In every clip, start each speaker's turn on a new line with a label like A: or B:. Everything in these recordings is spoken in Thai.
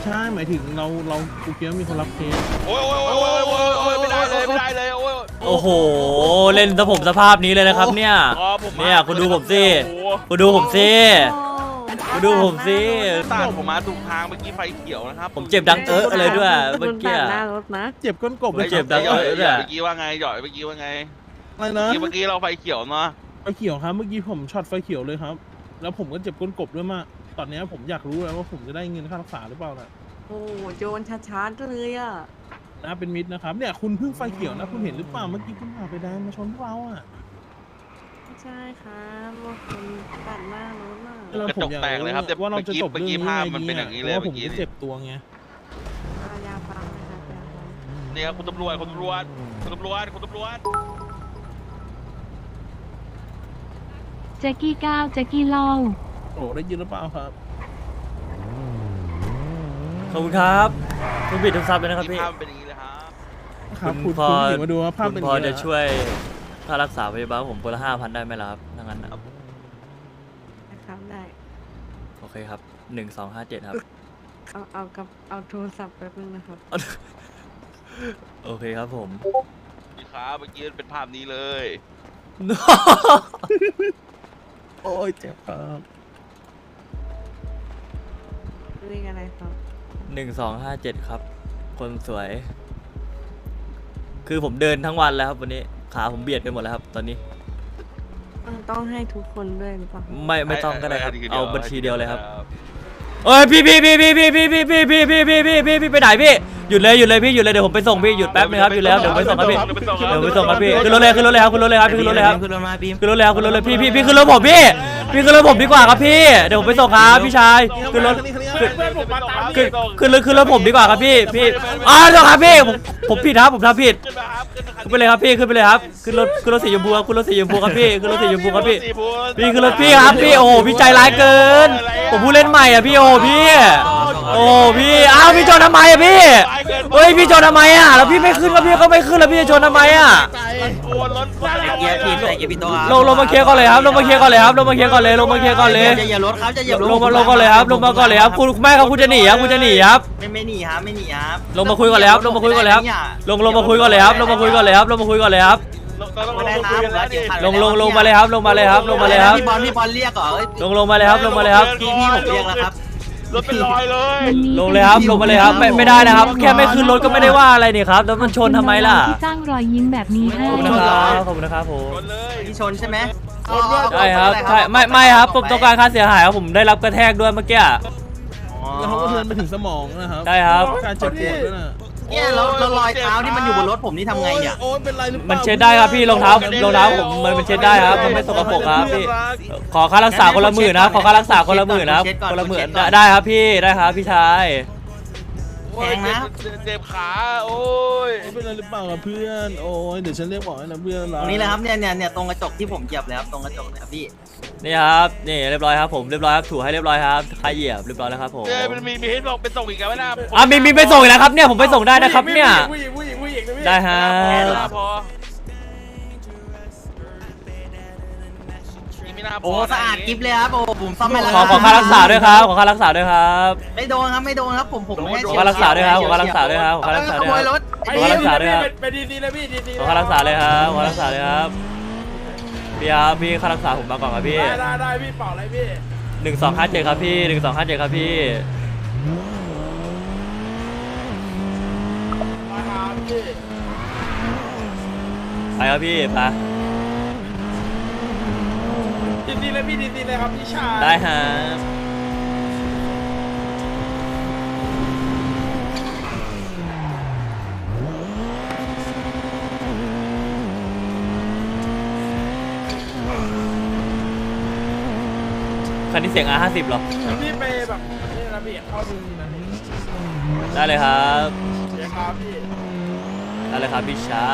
A: ช่หมายถึงเรากูเกียวมีคนรับเคส
B: โอ้ยไม่ได้เลยโอ้ย
C: โอ้โหเล่นผมสภาพนี้เลยนะครับเนี่ยคุณดูผมสิคุณดูผมสิคุณดูผมสิ
B: ตาผมมาถูกทางเมื่อกี้ไฟเขียวนะครับ
C: ผมเจ็บดังอะไรด้วยเมื่อกี้
D: หน้ารถนะ
A: เจ็บก้นกบเลย
C: เจ็บดัง
B: หย่อยเมื่อกี้ว่าไงหย่อยเมื่อกี้ว่าไง
A: อะไรนะ
B: เมื่อกี้เราไฟเขียวเนาะ
A: ไฟเขียวครับเมื่อกี้ผมช็อตไฟเขียวเลยครับแล้วผมก็เจ็บก้นกบด้วยมากตอนนี้ผมอยากรู้แล้วว่าผมจะได้เงินค่ารักษาหรือเปล่านะ
D: โอ้โจรช้าๆเลยอ่ะ
A: นะเป็นมิตรนะครับเนี่ยคุณเพิ่งไฟเขียวนะคุณเห็นหรือเปล่าเมื่อกี้คุณผ่าไฟแดงมาชนพวกเราอ่ะ
D: ไม่ใช่ครับว่าคนตัดหน้ารถน่ะ
B: กระจกแตกเลยครับแต่
A: ว่าเราจะจบ
B: เมื่อ
A: เรื่
B: กี้
A: องนี้
B: ภาพ
A: ไง
B: มัน
A: ดี
B: เป็นอ
A: อ่ะ
B: ย่างนี้
A: เพ
B: เลย
A: ราะว่าผ
B: เมื่
A: ม
B: อกี้
A: ก็เจ็บตัวไง
D: ยาปั๊มนะครับยาปั๊ม
B: เนี่ยคุณตำรวจ
E: แจ็กกี้ก้าวแจ็กกี้เล่า
A: โอ้ได้ยินหรือเปล่าครับ
C: ขอบคุณครับคุณบิดทุกซับเลยนะครับพี่
B: ภาพเป็นอย่างนี้เลยครับ
A: ครับ
C: คุ
A: คุณ
C: ณพอ
A: ถึงมาดูว่าภาพ
C: คุ
A: เป็น
C: ณ
A: อ
C: พ
A: ย่าง
C: อ
A: นี้
C: จะช่วยค่ารักษาพยาบาลผมคนละ5,000ได้ไหมล่ะครับถ้างั้นนะ
D: นะครับได้
C: โอเคครับ1257ครับ
D: เอาโทรศัพท์แป๊บนึงนะครับ
C: โอเคครับผม
B: นี่ครับเมื่อกี้เป็นภาพนี้เลย
A: โอ้ยเจ็บครับ
D: เรื่องอะไรครับ
C: 1257ครับคนสวย คือผมเดินทั้งวันแล้วครับวันนี้ขาผมเบียดไปหมดแล้วครับตอนนี้
D: ต้องให้ทุกคนด้วยหรือเปล่า
C: ไม่ต้องก็ได้ครับเอาบัญชีเดียวเลยครับเอ้ยพี่ไปไหนพี่หยุดเลยพี่หยุดเลยเดี๋ยวผมไปส่งพี่หยุดแป๊บนึงครับหยุดแล้วเดี๋ยวไปส่งครับพี่เดี๋ยวไปส่งครับพี่ขึ้นรถเลยครับขึ้นรถเลยครับขึ้นรถเลยครับขึ้นรถเลยพี่ขึ้นรถผมพี่ขึ้นรถผมดีกว่าครับพี่เดี๋ยวผมไปส่งครับพี่ชายขึ้นรถขึ้นรถผมดีกว่าครับพี่เดี๋ยวครับพี่ผมผิดครับผมทำผิดขึ้นไปเลยครับพี่ขึ้นไปเลยครับขึ้นรถสีชมพูครับขึ้นรถสีชมพูครับพี่ขึ้นรถสีชมพูครับพี่ขึ้นรถพี่ครับพี่โอ้โหพี่ใจร้ายเกินผมผู้เล่นใหม่อ่ะพี่โอ้พี่อ้าวพี่ชนทำไมอ่ะพี่เฮ้ยพี่ชนทำไมอ่ะแล้วพี่ไม่ขึ้นแล้วพี่ก็ไม่ขึ้นแล้วพี่จะชนทำไมอ่ะลงมาเคลียร์ก่อนเลยครับลงมาเคลียร์ก่อนเลยจะเหยียบรถครับลงมาก่อนเลยครับคุณไม่ครับคุณจะหนีครับไม่หนีครับลงมาคุยก่อนเลยครับลงมาคุยก่อนเลยครับลงมาคุยก่อนเลยครับลงมาคุยก่อนเลยครับลงมาเลยครับพี่บอลเรียกเหรอลงมาเลยครับพี่ผมเรียกแล้วครับ
B: รถเป็นรอยเลย
C: ลงเลยครับลงมาเลยครับไม่ได้นะครับแค่ไม่ขึ้นรถก็ไม่ได้ว่าอะไรนี่ครับแล้วมันชนทำไมล่ะ
E: ที่สร้างรอยยิ้มแบบนี้ให้
C: ขอบคุณนะครับผม
B: ชนเลย
F: พี่ชนใช่ไหม
C: ใช่ครับใช่ไม่ครับผมต้องการค่าเสียหายครับผมได้รับกระแทกด้วยเมื่อกี้
A: แล้วเขาก็เทินไปถึงสมองนะครับ
C: ใช่ครับ
A: การเจ็บปวดด้วยนะ
F: เนี่ยแล้วรอยเท้าที่มันอยู่บนรถผมนี่ทำไงเนี่ย
A: โอ้ยเป็นไรหรือเปล่า
C: มันเช็ดได้ครับพี่รองเท้าผมมันเช็ดได้ครับมันไม่สกปรกครับพี่ขอค่ารักษาคนละ10,000นะขอค่ารักษาคนละ10,000นะคนละ10,000ได้ครับพี่ได้ครับพี่ชาย
F: แพงนะ
B: เจ็บขาโอ้ย
A: เป็นไรหรือเปล่าครับเพื่อนโอ้ยเดี๋ยวฉันเรียกบอกให้นะเพื่อน
F: ตรงนี้เลยครับเนี่ยตรงกระจกที่ผมเหยียบเลยครับตรงกระจกเลยครับพี่
C: นี่ครับนี่เรียบร้อยครับผมเรียบร้อยครับถูให้เรียบร้อยครับใครเหยียบเรียบร้อยแล้วครับผม
B: มันมีให้ลงเป็นส่งอีกแล้วนะ
C: มีไปส่งอีกแล้วครับเนี่ยผมไปส่งได้นะครับเนี่ยได้ฮะ
B: พอ
F: โอ้สะอาดกิ๊บเลยครับโอ้ผมซ่อมให้แล้ว
C: ขอค่ารักษาด้วยครับขอค่ารักษาด้วยครับ
F: ไม่โดนครับผมแค่
C: ขอค่ารักษาด้วยครับขอค่ารักษาด้วยครับขอค่ารักษา
F: ข
C: ด้วย
F: โม
C: ค
F: ย
C: รับ
F: รถ
C: ขอค่ารักษาด้วยครับ
B: ไปดีๆนะพี่ดีๆ
C: ขอค่ารักษาเลยครับขอค่ารักษาเลยครับพี่ค่ารักษาผมมาก่อนครับพี่
B: ได้พี่เป่าอะไรพี่
C: 1257ครับพี่1257ครับพี่
B: มาครับพี่
C: ไปครับพี่ไป
B: ดีๆเลยพี่ดีๆเลยครับพี่ชาย
C: ได้ฮะคันนี้เสียง R50 เหรอ
B: พี่ไปแบบนี่นะพี่เข้าดูนะพี่
C: ได้เลยครับ
B: เดี๋ยวครับพี่
C: ได้เลยครับพี่ชาย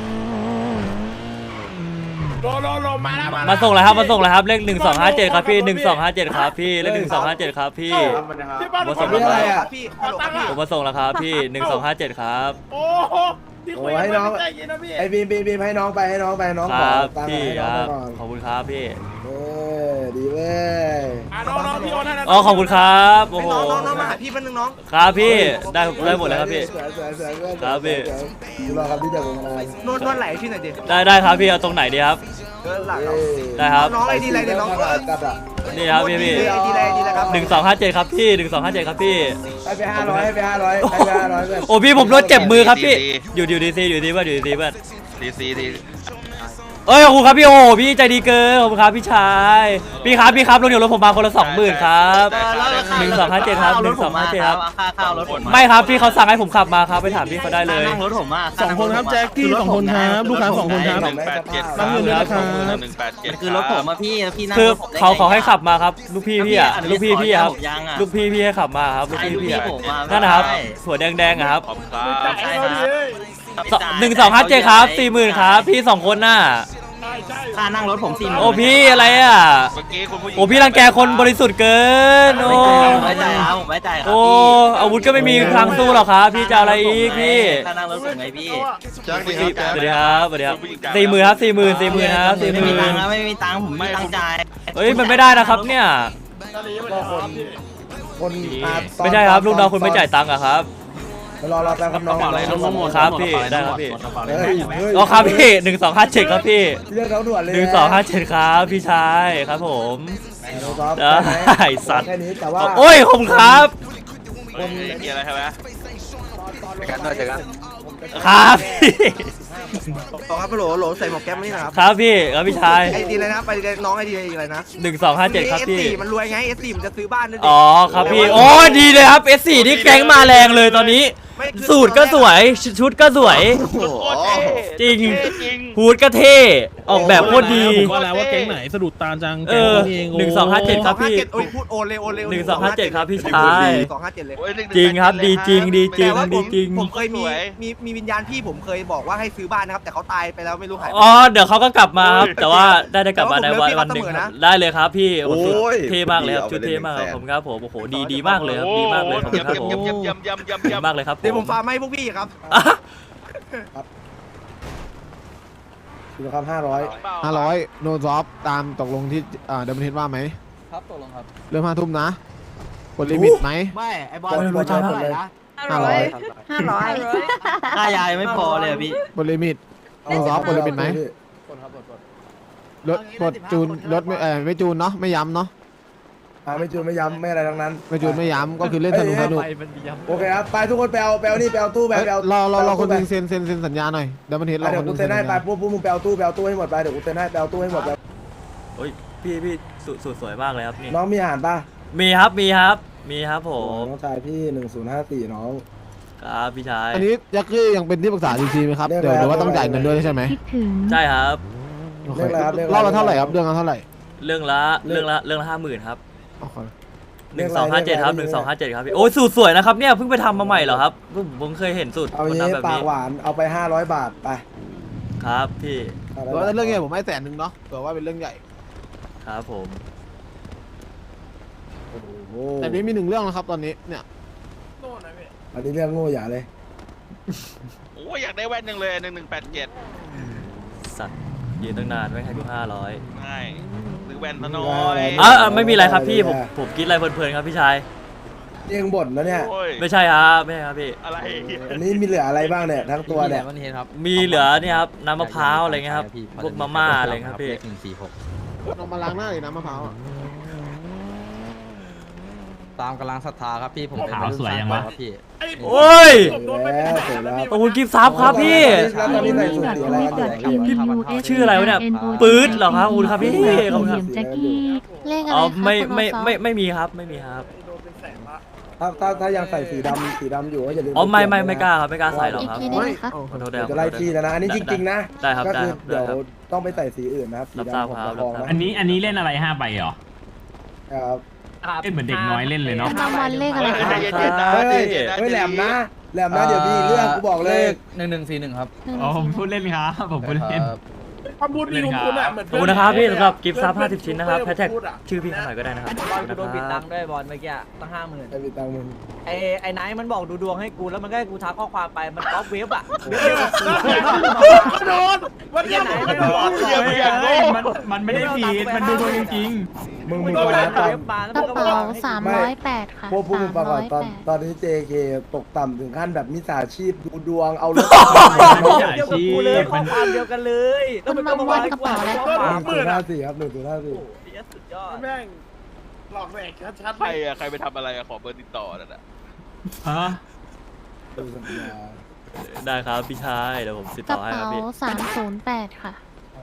B: โลมาแล้ว
C: มาส่งเลยครับมาส่งเลยครับเลข1257ครับพี่1257ครับพี่เลข1257ครับพี่
B: พี่บ้าน
C: มาส่งแล้วครับ
B: พี่
C: ผมมาส่งแล้วครับพี่1257ครับ
B: โอ้โหพี่คุยให้น้องใจเย็นนะพี่
G: ไอ้บีมให้น้องไปน้อง
C: ค
G: ขอ
C: รับ
G: ตังค์
C: พี่
G: ให้
C: ค
G: น้อง
C: รับ
G: ก่อน
C: ขอบคุณครับพี่
G: เอออยดีเว้ย
B: น้องพี่โอนให้นะ
C: อ๋อขอบคุณครับโอ้โห
B: น้องมาหาพี่เป็นน้อง
C: ครับพี่ได้หมดเลยครับพี่
G: สวยเว้ย
C: ครับพี่
G: ดูรอครับพี่เดี๋ยวผมมาน
B: วดไหลพี่หน่อยดิ
C: ได้ครับพี่เอาตรงไหนดีครับ
B: หลัง
C: ได้ครับ
B: น้องไอดีอะไรเนี่ยน้อง
G: กัดอ่ะ
C: นี่ครับพี่
B: ไอดีอะไรครับ
C: 1257ครับพี่1257ครับพี่
G: ให้ไป500ให้ไป500ให้ไป500เว้ย
C: โอ้พี่ผมโดนเจ็บมือครับพี่อยู่ดีซีอยู่ดีเพื่อนอยู่ดีเพื่อน
H: ดี
C: เอ้ยขอบคุณครับพี่โอ้พี่ใจดีเกินขอบคุณครับพี่ชายพี่ครับรถเดี๋ยวรถผมมาคนละ20,000ครับ1257ครับ1257ครับ
F: ค่าข้าวรถผม
C: ไม่ครับพี่เขาสั่งให้ผมขับมาครับไปถามพี่เขาได้เลย
F: นั่งรถผมมา
A: สองคนครับแจ็คกี้สองคนครับลูกค้าสองคนครับ
G: 187
A: รับเงินด้วยนะครับ
H: 187
F: คือรถผมมาพี่แล้วพี่นั่ง
C: คือ
F: รถผมได้ไง
C: เขาให้ขับมาครับลูกพี่อ่ะลูกพี่อ่ะครับ
F: ยังอ่ะ
C: ลูกพี่ให้ขับมาครับลูก
F: ให้ลูก
C: พี่
F: พี่
C: อ่ะ
F: ผมมา
C: นั่นนะครับ
F: ไม่ได้
C: หัวแดงๆอะครับ
H: ขอบคุณครับ
F: ใช่ครับ
C: 1257ครับ40,000ครับพี่2คนน่ะ
F: ค่านั่งรถผม40,000
C: โอ้พี่อะไรอ่ะ
H: เมื่อกี้คุณผู้หญิง
C: โอ้พี่รังแกคนบริสุทธิ์เกินโอ้
F: ไม่จ่ายครับผมไม่จ่ายครับ
C: โอ้
F: พี่
C: อาวุธก็ไม่มีทางสู้หรอกครับพี่จะเอาอะไรอีกพี่
F: ค่านั่งรถผมไงพี่
H: แจ็คดีครับ
C: สวัสดีครับสวัสดีครับ40,000ครับ40,000ครับ
F: ไม่มีตังค์
C: 40,000
F: นะไม่มีตังค์ผมไม่มีตังค์จ่าย
C: เฮ้ยมันไม่ได้นะครับเนี่ย
G: คนอาตอน
C: ไม่ใช่ครับลูกน้องคุณไม่จ่ายตังค์อะครับ
G: รอแป๊บครับน้อง
C: ครับพี่ได้ครับพี่
G: เฮ้ย
C: อ๋อครับพี่1257ครับพี่
G: เรื่องเขาด่วนเลย
C: 1257ครับพี่ชายครับผม ได้สัตว์
G: แค่นี้แต่ว่า
C: โอ้ยขอบคุณครับ
H: มีอะไรใช่ไหม
C: ครับพี่
B: ต่อครับโหลใส่หมวกแก๊ปนี่นะครับ
C: ครับพี่ครับพี่ชาย
B: ไอดีอะไรนะไปน้องไอดีอะไรนะ
C: 1257ครับพี่
B: S4 มันรวยไง S4 มันจะซื้อบ้านนั่น
C: อ๋อครับพี่โอ้ดีเลยครับ S4 นี่แก๊งมาแรงเลยตอนนี้ สูตรก็สวยชุดก็สวย จริงฮูดก็เท่ออกแบบโคตรดี
A: ผมว่าแล้วว่าแก๊งไหนสะดุดตาจัง
C: เอ
A: แก๊ง
C: อ
A: นี้เอง
C: 1257ครับพี่
B: โอ้ยพูดโอนเลย
C: 1257ครับพี่ชาย
B: 257เลย
C: จริงครับดีจริงดีจริงดีจริง
B: ผมเคยมีวิญญาณพี่ผมเคยบอกว่าให้ซื้อบ้านนะครับแต่เขาตายไปแล้วไม่รู้หาย
C: อ๋อเดี๋ยวเขาก็กลับมาครับแต่ว่าได้กลับมาในวันหนึ่งครับได้เลยครับพี่โอ้โหเท่มากเลยครับชุดเท่มากครับผมครับผมโอ้โหดีมากเลยครับดีมากเลยขอบคุณครับผมดีมากเลยครับ
B: เดี๋ยวผมฟาร์มให้พวกพี่ครับ
G: ดูครับ
I: 500โนซอฟตามตกลงที่เดมอนเทนว่าไหม
F: ครับตกลงครับ
I: เริ่ม5 ทุ่มนะกดลิมิตไหม
F: ไม่ไอบอล
G: รู้จักเท่าไหร่นะ
D: 500
F: ค่ายายไม่พอเลยพี่
I: กดลิมิตโนซอฟกดลิมิตไหมรถกดจูนรถไม่จูนเนาะไม่ย้ำเนาะ
G: ไม่จูนไม่ย้ำไม่อะไรทั้งนั้น
I: ไม่จูนไม่ย้ำก็คือเล่นสนุก
G: โอเคครับไปทุกคนไปเอานี่ไปเอาตู้ไปเอา
I: รอคนหนึงเซ็นสัญญาหน่อยเดมอนเทนรอ
G: เดี๋
I: ค
G: ยวน
I: หนึ
G: กู
I: ง
G: เซ็
I: เซ็
G: น
I: น
G: ให้
I: สัญ
G: ไป
I: ญา
G: ปุ๊บมึงไปเอาตู้ให้หมดไปเดี๋ยวกูเซ็นให้ไปเอาตู้ให้หมดไป
C: โอ้ยพี่สวยมากเลยครับนี่
G: น้องมีอาหารป่ะ
C: มีครับผม
G: น้องชายพี่1054น้อง
C: ครับพี่ชาย
I: อันนี้ยักษ์ยังเป็นที่ปรึกษาจริงๆไหมครับ
G: เรียก
I: เดี๋ยว
G: อะไร
I: เดี๋ยวว่าต้องจ่ายเงินด้วยใช่ไหม
E: คิดถึง
C: ใช่ครับ
I: โอเค
G: เรียกอะไรครับ
I: รอบละเท่าไหร่ครับเรื่องละเท่าไหร่
C: เรื่องละ50,000ครับ
I: โอเค
C: 1257ครับ1257ครับพี่โอ้ยสูตรสวยนะครับเนี่ยเพิ่งไปทำมาใหม่เหรอครับผมเคยเห็นสูตร
G: เอา
C: คน
G: งี้
C: ทำแบบ
G: ปาก
C: นี้
G: หวานเอาไป500 บาทไป
C: ครับพี่
I: แต่ว่าเรื่องใหญ่ผมให้100,000เนาะเผื่อว่าเป็นเรื่องใหญ่
C: ครับผม
G: โอ้โห
I: แต่นี้มี1เรื่องนะครับตอนนี้เนี่ย
G: อันนี้เรื่องโง่อย่าเลย
H: โอ้อยากได้แว่นหนึ่งเลย1187
C: สัตว์ยืนตั้งนานไม่ให้ดู500
H: ใช่ซื้อแว่นซะหน่อย
C: ไม่มีอะไรครับพี่ผมคิดอะไรเพลินๆครับพี่ชาย
G: เองบ่นแล้วเนี่ย
H: โอ้ย
C: ไม่ใช่ครับพี่
H: อะไร
G: อันนี้มีเหลืออะไรบ้างเนี่ยทั้งตัวเนี่ย
C: มีเหลือเนี่ยครับน้ำมะพร้าวอะไรเงี้ยครับพวกมาม่าอะไรเงี้ยครับพี่
I: ลองมาล้างหน้าเลยนะมะพร้าวอะ
F: ตามกำลังศรัทธาครับพี่ผมเป็น
B: ขาวสวยยังวะ
F: ครับพี่
C: โอ้ย
G: เสร็จแล้ว
C: ขอบคุณกิฟต์ซับครับพี่
G: แล้วตอนนี้ใส่สูทสีอะไรกันเนี่ย
C: ชื่ออะไรวะเนี่ยปื๊ดเหรอครับขอบคุณครับพี่ขอบคุณครับ
E: แจ็คกี้เลขอะไร
C: อ๋อ
E: คะ
C: ไม่มีครับไม่มีครับ
G: ถ้ายังใส่สีดำอยู่ก็อย่าลืม
C: อ๋อไม่กล้าครับไม่กล้าใส่หรอก
E: อีก
C: ครับ
E: ทีได้ไหมคะ
C: ขอโทษ
G: เดี๋
C: ด้
G: ยวจะไล่ที่แล้วนะอันนี้จริงๆนะ
C: ได้ครับ
G: ก็
C: ได้
G: คือ
C: ครับ
G: เดี๋ยว
C: ได้ครับ
G: ต้องไปใส่สีอื่นนะครับสี
C: รับทราบ
G: ดำ
C: ครับ
G: ผม
C: รับทราบ
G: นะ
J: อันนี้เล่นอะไร5 ใบเหรอ
G: ครับ
J: เล่นเหมือนเด็กน้อยเล่นเลยเนาะ
E: ประจำวันเลขอะไรคะ
G: เฮ้ยแหลมนะเดี๋ยวมีเรื่องกูบอกเลย
F: 1141ครับ
J: อ๋อผมพูดเล่นครับผมพูดเล่น
B: คำพูดดีของคุณอ่ะเหมือน
C: ขอบคุณนะครับพี่สำหรับกิฟต์ซับ50 ชิ้นนะครับแฮชแท็กชื่อพี่เขาหน่อยก็ได้นะครับ
F: บอลกูโดนปิดตังค์ด้วยบอลเมื่อกี้ตั้ง 50,000
G: ไอ้มีตังค์มึง
F: ไอ้ไนท์มันบอกดูดวงให้กูแล้วมันก็ให้กูทักข้อความไปมันก๊อปเว็บอ่ะ
B: โดนวันนี้ไหนไม่โดน
J: มันไม่ได้ผิดมันดูดวงจริงๆ
G: มึงฟังนะตอน
D: กระเป๋า308 ค่ะ
G: พวกพูดมึงฟังก่อนตอนนี้ JK ตกต่ำถึงขั้นแบบมิจฉาชีพดูดวงเอารถ
J: ไม่ใช่อาชีพมัน
D: คุณมาวัดกระเป๋าอะไร
G: 1054ครับ1054
B: สุดยอด
A: แม่งหลอกแหวกชัด
H: ใครอะใครไปทำอะไรอะขอเบอร์ติดต่อนั่นแหละ
J: ฮะ
G: ดูสัญญา
C: ได้ครับพี่ชายเดี๋ยวผมติด
D: ก
C: ต่
D: ระ
C: อให้ค
D: เป๋า
C: รับพี่
D: 308 ค่ะ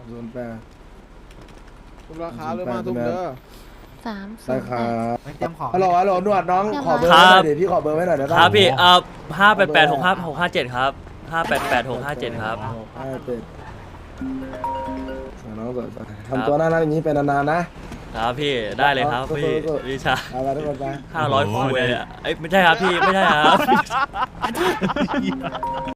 G: 08
I: ทุกราคาเลยมาทุกเด้อ
G: ได้ครั
D: 308
G: บ
F: เตรียมของ
G: ฮัลโหลหนวดน้องขอเบอร์ไว้หน่อยเดี๋ยวพี่ขอเบอร์ไว้หน่อยได้
C: ค
G: ป่ะ
C: รับพี่588-657ครับ588-657ครับ
G: น้องสวยทำตัวน่ารักอย่างนี้ไปนานๆนะครับ
C: พี่ได้เลยครับพี่พี่ชาย
G: เอาละทุกคนไป
C: 500คูณเลยอ่ะเอ้ยไม่ใช่ครับพี่ไม่ใช่ครับ